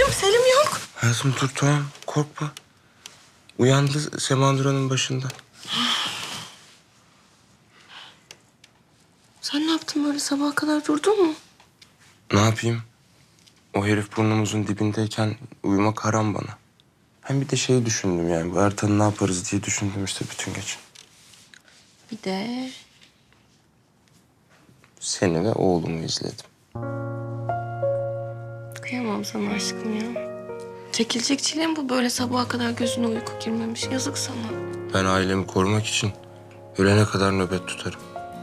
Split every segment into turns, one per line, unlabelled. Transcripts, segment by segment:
Selim yok.
Hayatım dur tamam korkma. Uyandı Semandura'nın başında.
Sen ne yaptın böyle sabaha kadar durdun mu?
Ne yapayım? O herif burnumuzun dibindeyken uyumak haram bana. Hem bir de şeyi düşündüm yani. Bu Ertan'ı ne yaparız diye düşündüm işte bütün gece.
Bir de
Seni ve oğlumu izledim.
kıyamam sana aşkım ya. Çekilecek çile mi bu böyle sabaha kadar gözüne uyku girmemiş? Yazık sana.
Ben ailemi korumak için ölene kadar nöbet tutarım.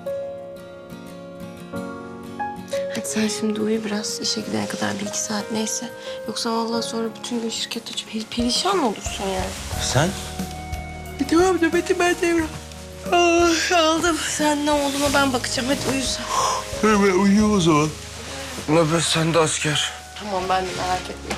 Hadi sen şimdi uyu biraz. İşe gidene kadar 1-2 saat neyse. Yoksa vallahi sonra bütün gün şirkette perişan olursun yani.
Sen?
Tamam nöbeti ben devre. Aldım. Sen ne olduğuna ben bakacağım. Hadi uyu sen.
Ben uyuyayım o zaman. Nöbet sende asker.
Tamam ben de merak etme.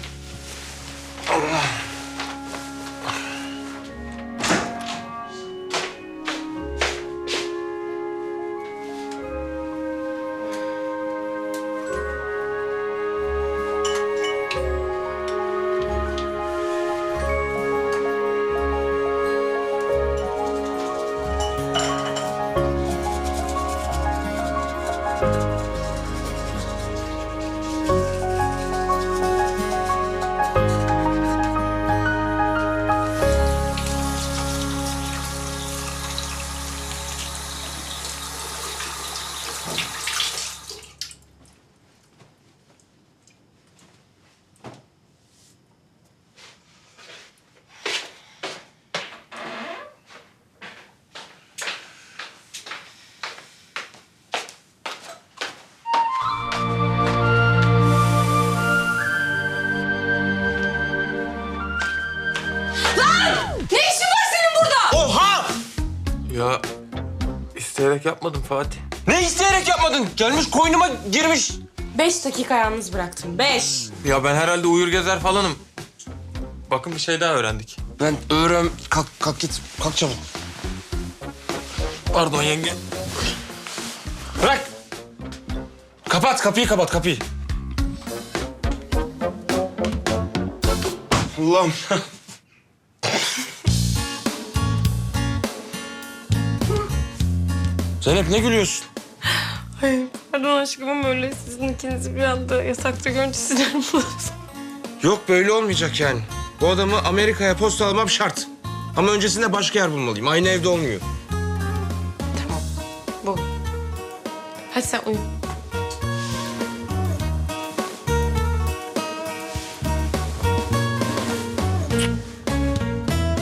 Ne işin var senin burada?
Oha!
Ya isteyerek yapmadım Fatih.
Ne isteyerek yapmadın? Gelmiş koynuma girmiş.
5 dakika yalnız bıraktım. 5.
Ya ben herhalde uyur gezer falanım. Bakın bir şey daha öğrendik.
Ben öğren... Kalk git. Kalk çabuk.
Pardon yenge.
Bırak. Kapıyı kapat kapıyı. Allah'ım. Zeynep ne gülüyorsun?
Ay pardon aşkım ama öyle sizin ikinizi bir anda yasakta görünce sinirim bozuldu.
Yok böyle olmayacak yani. Bu adamı Amerika'ya postalamam şart. Ama öncesinde başka yer bulmalıyım. Aynı evde olmuyor.
Tamam. Bu. Hadi sen uyu.